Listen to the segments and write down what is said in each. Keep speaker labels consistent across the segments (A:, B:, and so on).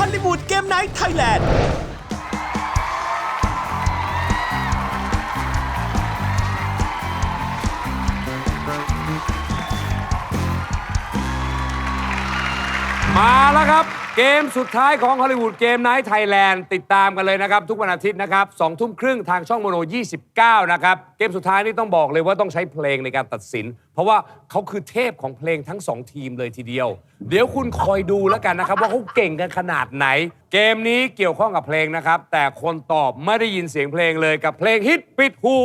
A: อลลีวูดเกมไนท์ไทยแลนด์
B: มาแล้วครับเกมสุดท้ายของฮอลลีวูดเกมไนท์ไทยแลนด์ติดตามกันเลยนะครับทุกวันอาทิตย์นะครับ2 ทุ่มครึ่งทางช่องโมโน29นะครับเกมสุดท้ายนี่ต้องบอกเลยว่าต้องใช้เพลงในการตัดสินเพราะว่าเขาคือเทพของเพลงทั้ง2ทีมเลยทีเดียวเดี๋ยวคุณคอยดูแล้วกันนะครับว่าเขาเก่งกันขนาดไหนเกมนี้เกี่ยวข้องกับเพลงนะครับแต่คนตอบไม่ได้ยินเสียงเพลงเลยกับเพลงฮิตปิดหู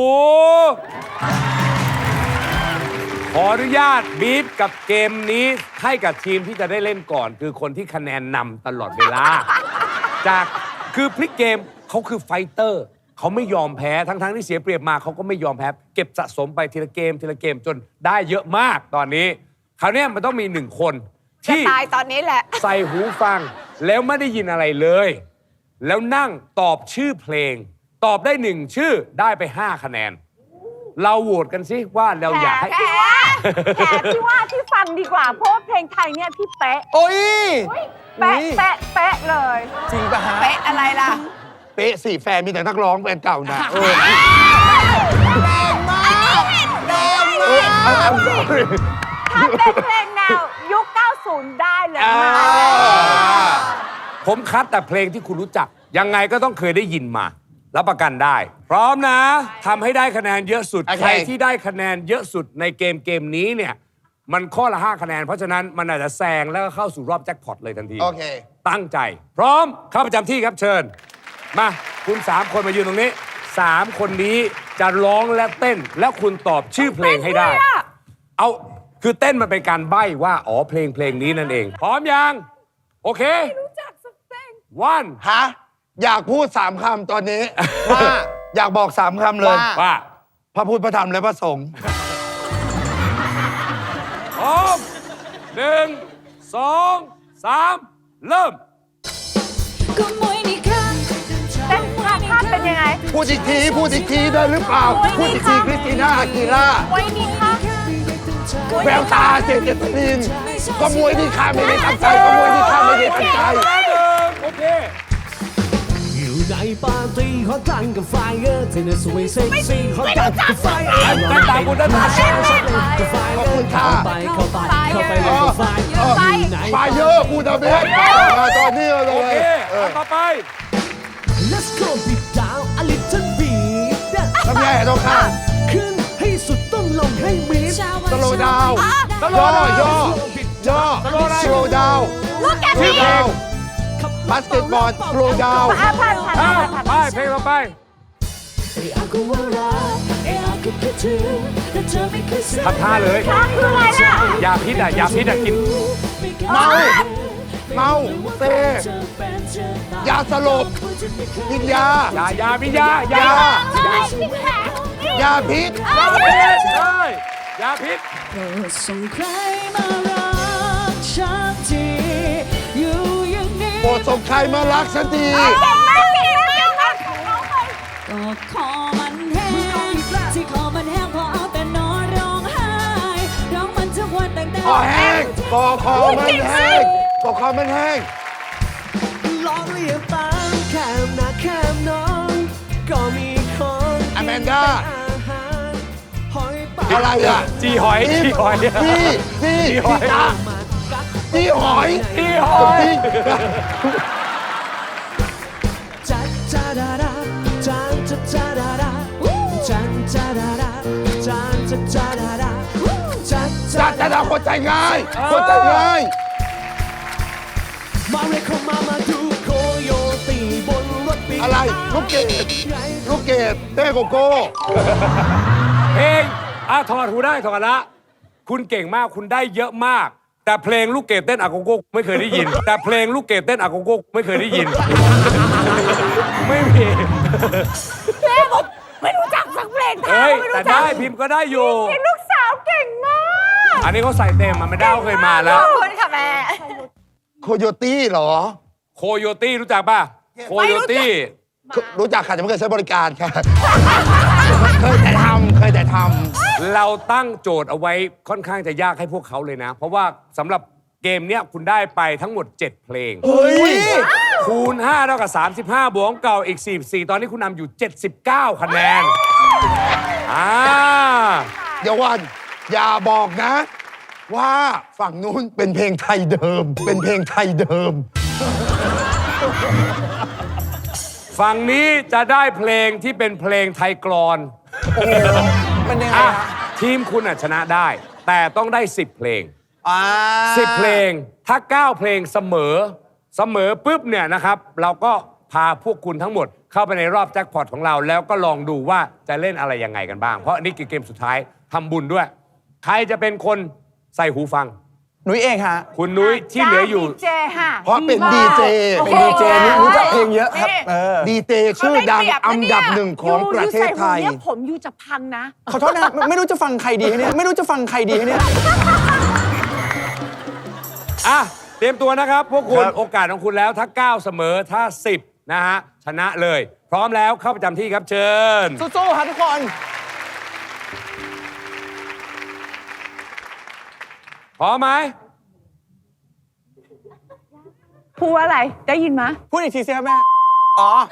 B: ขออนุญาตบีบกับเกมนี้ให้กับทีมที่จะได้เล่นก่อนคือคนที่คะแนนนำตลอดเวลาจากคือพลิกเกมเขาคือไฟเตอร์เขาไม่ยอมแพ้ทั้งที่เสียเปรียบมาเขาก็ไม่ยอมแพ้เก็บสะสมไปทีละเกมจนได้เยอะมากตอนนี้คราวนี้มันต้องมี1 คนที่
C: ตายตอนนี้แหละ
B: ใส่หูฟังแล้วไม่ได้ยินอะไรเลยแล้วนั่งตอบชื่อเพลงตอบได้1 ชื่อได้ไป5 คะแนนเราโหวตกันสิว่าเราอยากให้
C: แขกพี่ว่าที่ฟังดีกว่าเพราะว่าเพลงไทยเนี่ยพี่เป๊ะ
D: โอ้ย
C: เป๊ะเลย
D: จริงปะฮะ
C: เป๊ะอะไรล่ะ
D: เป๊ะสิแฟนมีแต่นักร้องแฟนเก่านะแรงมากแรงมาก
C: ถ้าเป็นเพลงแนวยุค 90 ได้เลยมา
B: ผมคัดแต่เพลงที่คุณรู้จักยังไงก็ต้องเคยได้ยินมารับประกันได้พร้อมนะทำให้ได้คะแนนเยอะสุดใครที่ได้คะแนนเยอะสุดในเกมนี้เนี่ยมันข้อละ5 คะแนนเพราะฉะนั้นมันอาจจะแซงแล้วก็เข้าสู่รอบแจ็คพอตเลยทันที
D: โอเค
B: ตั้งใจพร้อมเข้าประจำที่ครับเชิญมาคุณ3 คนมายืนตรงนี้3 คนนี้จะร้องและเต้นและคุณตอบชื่อเพลงให้ได้เอาคือเต้นมันเป็นการใบ้ว่าอ๋อเพลงนี้นั่นเองพร้อมยังโอเค
C: รู้จักสักเพลง
B: one
D: ฮะอยากพูด3 คำตอนนี้ว่าอยากบอก3 คำเลย
B: ว่า
D: พระพุทธพระธรรมและพระสงฆ์
B: พร้อม1 2 3เริ่ม
C: เต้นท่าเป็นยังไง
D: พูดอีกทีได้หรือเปล่าพูดอีกทีคริสติน่าอากีล่า
C: ไว้นี่ค่ะ
D: แววตาเจตลินก็มวยที่ข้าไม่ได้ตั้งใจก็มวยที่ข้าไม่ได้ตั้งใจ
B: โอเค
E: อยู่ในปาร์ตี้ขอตั้งกับไฟเธอในสวยเซ็กซี่ขอตั้งกับไฟ
B: ได้ตามคุณได้ตาม
D: ขอบคุณค่ะ
E: เข้าไปเลยกับไฟ
D: ไฟเยอะพูดเอาเบสตอนนี้เลย
B: โอเคต่อไป
E: Let's go beat down a little beat
D: ทำไงต้องข้าม
E: ขึ้นให้สุดต้องลงให้มิด
D: slow down ย่อ slow down
C: ลูกแกพี่
D: บาสเกตบอล slow down
B: ไปเพลงต่อไปทำท่าเลย
C: คืออะไรล่ะ
B: ยาพิษกิน
D: เมาเซยาสลบกินยา
B: พิษย
D: าพิษ
B: ใช่ยาพิษ
E: ส่งใครมารักฉันทีอยู่อย่างนี้
D: โปรดส่งใครมารักฉันที
E: ก็คอมันแห้งที่คอมันแห้งพอเอาแต่นอนร้องไห้ร้องมันทุกวันตั้งแต่
D: คอแห้งคอมันแห้ง
E: ร้องเรียกตามแค่หน้าแค่น้องก็มีคน
D: อแมนด้าอะไรอ่ะ
B: จีหอย
D: จีหอยคนใจง่าย
E: มาเรียกเขามาดูโคโยตีบนรถปี
D: อะไรลูกเกดเต้โกโก้
B: เพลงถอดหูได้ถอดละคุณเก่งมากคุณได้เยอะมากแต่เพลงลูกเกดเต้นอาโกโก้ไม่เคยได้ยินไม่มี
C: เพลงผมไม่รู้จักสักเพลงไทย
B: แต่ได้พิมพ์ก็ได้อยู่
C: ลูกสาวเก่งมาก
B: อันนี้เขาใส่เต็มมันไม่ได้เคยมาแล้ว
C: ขอบคุณค่ะแม่
D: โคโยตี้เหรอ
B: โคโยตี้รู้จักป่ะโคโยตี้
D: รู้จักค่ะแต่ไม่เคยใช้บริการค่ะเคยแต่ทำ
B: เราตั้งโจทย์เอาไว้ค่อนข้างจะยากให้พวกเขาเลยนะเพราะว่าสำหรับเกมเนี้ยคุณได้ไปทั้งหมด 7 เพลง
D: เฮ้ย
B: คูณ 5 เท่ากับ 35 บวกเก่าอีก 44 ตอนนี้คุณนำอยู่ 79 คะแนน
D: เดี๋ยววันอย่าบอกนะ ว่าฝั่งนู้นเป็นเพลงไทยเดิม เป็นเพลงไทยเดิม
B: ฝั่งนี้จะได้เพลงที่เป็นเพลงไทยกลอน
F: มันยังไง
B: อ่ะ
F: ฮะ
B: ทีมคุณชนะได้ แต่ต้องได้ 10 เพลง
F: อ่า
B: 10 เพลง ถ้า 9 เพลงเสมอปุ๊บเนี่ยนะครับ เราก็พาพวกคุณทั้งหมดเข้าไปในรอบแจ็คพอตของเรา แล้วก็ลองดูว่าจะเล่นอะไรยังไงกันบ้าง เพราะนี่คือเกมสุดท้ายทำบุญด้วย ใครจะเป็นคนใส่หูฟัง
F: หนุ่ยเองฮะ
B: คุณนุ้ยที่เหลืออยู่
C: เจค่ะ
D: เพราะเป็นดีเจ
F: เป็นดีเจนี่รู้จักเพลงเยอะครับ
D: ดีเจชื่อดังอันดับหนึ่งของประเทศไทย
C: เนี่ยผมยูจะพังนะ
F: ขอโทษนะไม่รู้จะฟังใครดีเนี่ยไม่รู้จะฟังใครดีเนี่ย
B: อ่ะ เตรียมตัวนะครับ พวกคุณ
F: ครับ
B: โอกาสของคุณแล้วถ้า 9 เสมอถ้า 10 นะฮะ ชนะเลย พร้อมแล้วเข้าประจำที่ครับเชิญ
F: สู้ๆครับทุกคน
B: พร้อมไหม
C: พูดว่าอะไร ได้ยินไหม
F: พูดอีกทีสิครับแม่ อ๋อ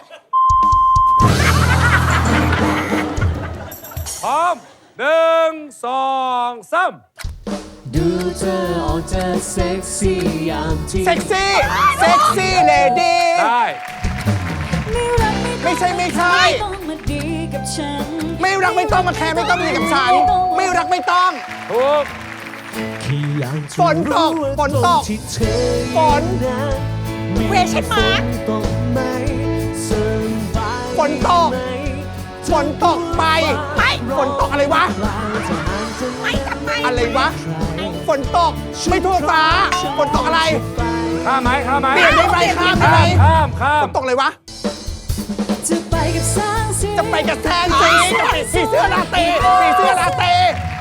B: พร้อม 1 2 3
G: ดูเธอออกจะเซ็กซี่ยามที่
F: เซ็กซี่เลดี้
B: ได้
F: ไม่ใช่
E: ต้องมาดีกับฉัน
F: ไม่รักไม่ต้องมาแคร์ไม่ต้องดีกับฉัน ไม่รักไม่ต้อง
B: ถูก
G: แค่อยากจะ
F: ฝนตก
G: รู้ว่า
F: ฝนตก
G: ที่เธอ
F: ฝน
G: นั้น
F: เวชั่นมาร์ค
G: ตกไหมสบาย
F: ฝนตก
G: ไหม
F: ฝนตกไปฝนตกอะไรวะ
G: กลางจะห่างจะไม่ทำไม
F: อะไรวะ ฝนตก ไม่ทั่วฟ้า ฝนตกอะไร
B: ข้ามไหมข้ามไหม
F: เปลี่ยนได้ไหมข้ามได้ไหม
B: ข้าม
F: ฝนตกอะไรวะ
E: จะไปกับแสงสี
F: จะไปกับแทนสีสีเสื้อลาเต้สีเสื้อลาเต้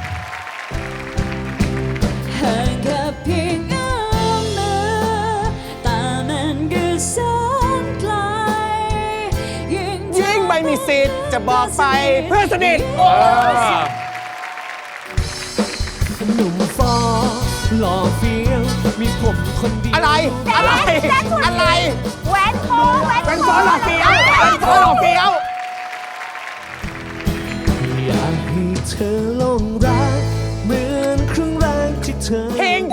E: ห่างแค่เพียงเอื้อมมือแต่มันก็แสนไกล
F: ยิ่งไม่มีสิทธิ์จะบอกไปเพื่อนสนิท
G: หนุ่มฟอหล่อเฟี้ยวมีผมคนเดียว
F: อะไร อะไร อะไร
C: แหวนโค้งแหวน
F: เป็นโฟนหล่อเฟี้ยวเป็นโฟนหล่อเฟี้ยว
G: อยากให้เธอหลงรักเหมือนครั้งแรกที่เธอ
F: เพลง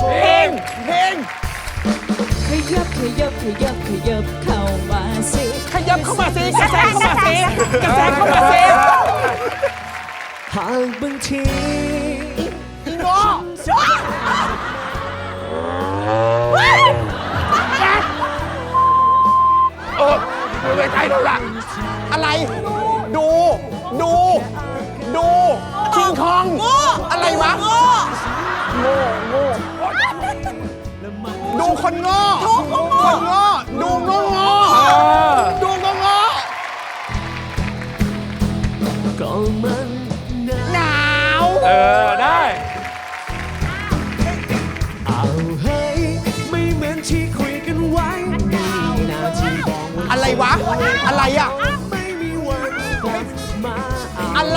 E: ขยับเข้ามาสิ
F: ขยับเข้ามาสิกระแสเข้ามาสิกระแสเข้ามาสิ
G: หากบางที
F: งอไม่ใช่แล้วล่ะอะไร ดูคิงคองอะไรวะโง่ดูคนโง่คนโง่ดูโง่ดูโง่
G: ก็มัน
F: หนาว
B: ได้
G: เอาให้ไม่เหมือนที่คุยกันไว้มีหน้าที่บอกว่า
F: อะไรวะ อะไรอ่ะ
G: ไม่มีวันกลับมาเอา
F: อะไร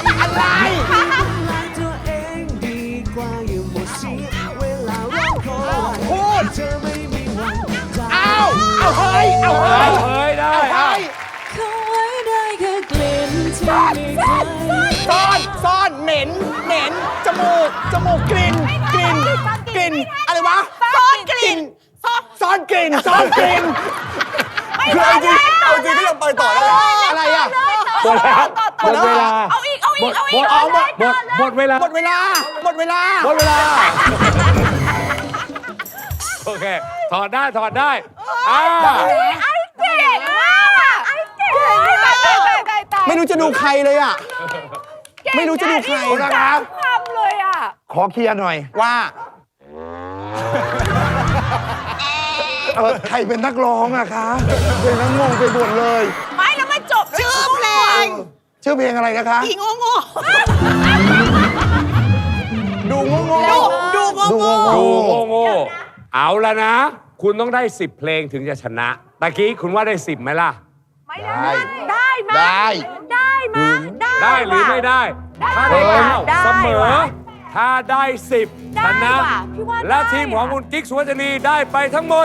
G: ตัวเองดีกว่าอย่าหมดเสียเวลารอคอย
F: พูด
G: เธอไม่มีวันจะ
F: เอาเฮ้ย
B: เฮ้ยได้
F: เฮ้ย
E: เข้าไว้ได้แค่กลิ่นที่ไม่เคย
F: ซ่อนเหม็นจมูกกลิ่นอะไรวะซ่อนกลิ่นคือเอาจริงก็ยังไปต่อได้อะไรอ่ะ
B: หมดแล้วหมดเวลา
C: เอาอีก
B: หมดเวลา
F: หมดเวลา
B: โอเค ถอดได้
C: ไอ้เก่งมากไอ้เก่งตาย
F: ไม่รู้จะดูใครเลยอ่ะ ไม่รู้จะดูใคร
C: นะครับทำเลยอ่ะ
D: ขอเคลียร์หน่อย
F: ว่า
D: ใครเป็นนักร้องอะคะเป็นนักงงไปหมดเลย
C: ไม่แล้วมันจบชื่อเพลง
D: ชื่อเพลงอะไรนะคะ
C: อีโง่
F: ดูโง่
C: ดูโง่
B: ดูโง่เอาละนะ คุณต้องได้ 10 เพลงถึงจะชนะตะกี้คุณว่าได้ 10ไหมล่ะ
C: ไม่ได้ได้ไหม
D: ได้
C: ได้ไหม
B: ได้หรือไม่ได้ ถ้าได้
C: ได้
B: 9เสมอ
C: ไ
B: ถ้าได้ 10 ชนะ
C: ว่ะพี่ว่าได้
B: แล้วทีมของคุณกิ๊กสุวรรณีได้ไปทั้งหมด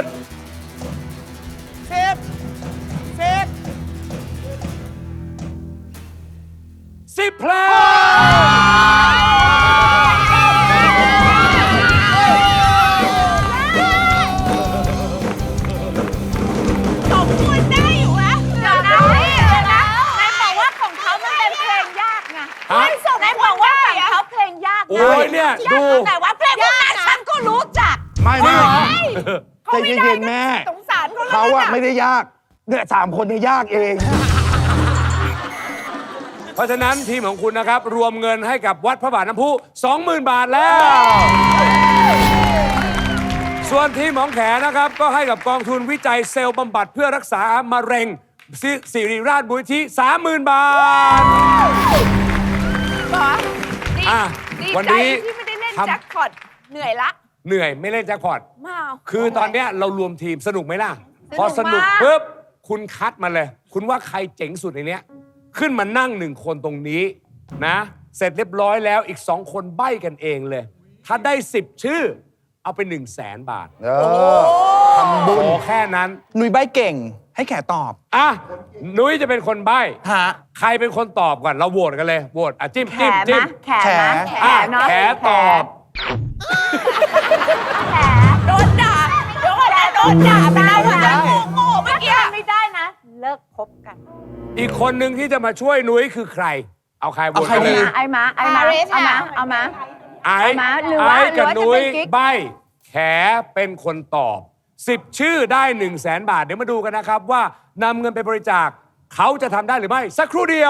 F: 10
B: 10 เพลง
C: สมควรได้อยู่วะเดี๋ยวนะนายบอกว่าของเขามันเป็นเพลงยากไง
B: ฮะ
C: นายบอกว่าของเขาเพลงยาก
B: โอ้ยเนี่ยดู
C: แต่ว่าเพลงพวกนั้นฉันก็รู้จัก
D: ไม่ไม่
C: เขา
D: ใจ
C: ไม่ได้
D: เย็นๆแม่
C: สงสารเขา
D: เขา
C: แล้ว
D: อะ
C: นะ
D: ไม่ได้ยากเนี่ย3 คนเนี่ยยากเอง
B: เพราะฉะนั้นทีมของคุณนะครับ รวมเงินให้กับวัดพระบาทน้ำพุ 20,000 บาทแล้ว ส่วนทีมของแขนะครับ ก็ให้กับกองทุนวิจัยเซลล์บำบัดเพื่อรักษามะเร็งสิริราชบุญที่ 30,000 บาท อ่ะ
C: ดี
B: วัน
C: ใจ
B: นี้
C: ที่ไม่ได้เล่น
B: ทำ
C: แจ็คพอตเหนื่อยละ
B: เหนื่อยไม่เล่นแจ็คพอต
C: มา
B: คือตอนเนี้ยเรารวมทีมสนุกไหมล่ะ พอ
C: ส
B: ส
C: นุ
B: นุ
C: ก
B: ก
C: มาก
B: ปุ๊บคุณคัดมาเลย คุณว่าใครเจ๋งสุดในเนี้ย ขึ้นมานั่ง1 คนตรงนี้นะ เสร็จเรียบร้อยแล้วอีก 2 คนใบ้กันเองเลย ถ้าได้ 10 ชื่อ เอาไป 100,000 บาท
D: ทำบุญ
B: โอ้แค่นั้น
F: หนุ่ยใบเก่ง ให้แขตอบ
B: อ่ะ นุ้ยจะเป็นคนใบ้
F: ฮะ
B: ใครเป็นคนตอบก่อน เราโหวตกันเลยโหวตอ่ะจิ้ม
C: แข
B: จิ้ม
C: ม
B: จิ้ม
C: นะแขมนะ
F: แข
B: อ่ะ
C: เนาะ
B: แขตอบ
C: โดนด่าโดนด่าไปแล้วนะโง่เมื่อกี้ไม่ได้นะ เลิกคบกัน
B: อีกคนหนึ่งที่จะมาช่วยนุ้ยคือใคร เอาใครโหวต
F: เอาใคร
B: กันเล
F: ดี
B: ย
C: ไอ้มาเอามา
B: ไอ้
C: เอามาหรือว่า
B: ไอ้กับ
C: หรือว่าจะ
B: นุ้
C: เป็
B: ย
C: นกิ๊ก
B: ใบแขเป็นคนตอบ 10 ชื่อได้ 100,000 บาท เดี๋ยวมาดูกันนะครับว่านำเงินไปบริจาคเขาจะทำได้หรือไม่ สักครู่เดียว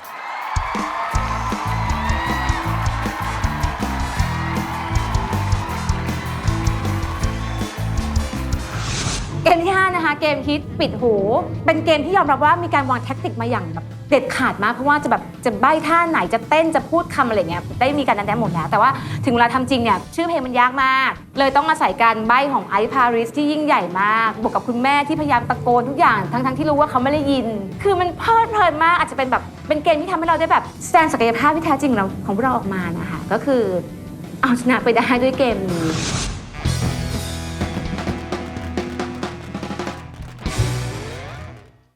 H: เกมที่ 5 นะคะ เกมฮิตปิดหู เป็นเกมที่ยอมรับว่ามีการวางแท็กติกมาอย่างแบบเด็ดขาดมาก เพราะว่าจะใบ้ท่าไหนจะเต้นจะพูดคำอะไรเงี้ยได้มีการนัดแนะหมดแล้ว แต่ว่าถึงเวลาทำจริงเนี่ยชื่อเพลงมันยากมาก เลยต้องอาศัยการใบ้ของไอซ์พาริสที่ยิ่งใหญ่มากบวกกับคุณแม่ที่พยายามตะโกนทุกอย่างทั้งที่รู้ว่าเขาไม่ได้ยิน คือมันเพลิดเพลินมากอาจจะเป็นแบบเป็นเกมที่ทำให้เราได้แบบแสดงศักยภาพที่แท้จริงของเราออกมานะคะก็คือเอาชนะไปได้ด้วยเกมนี้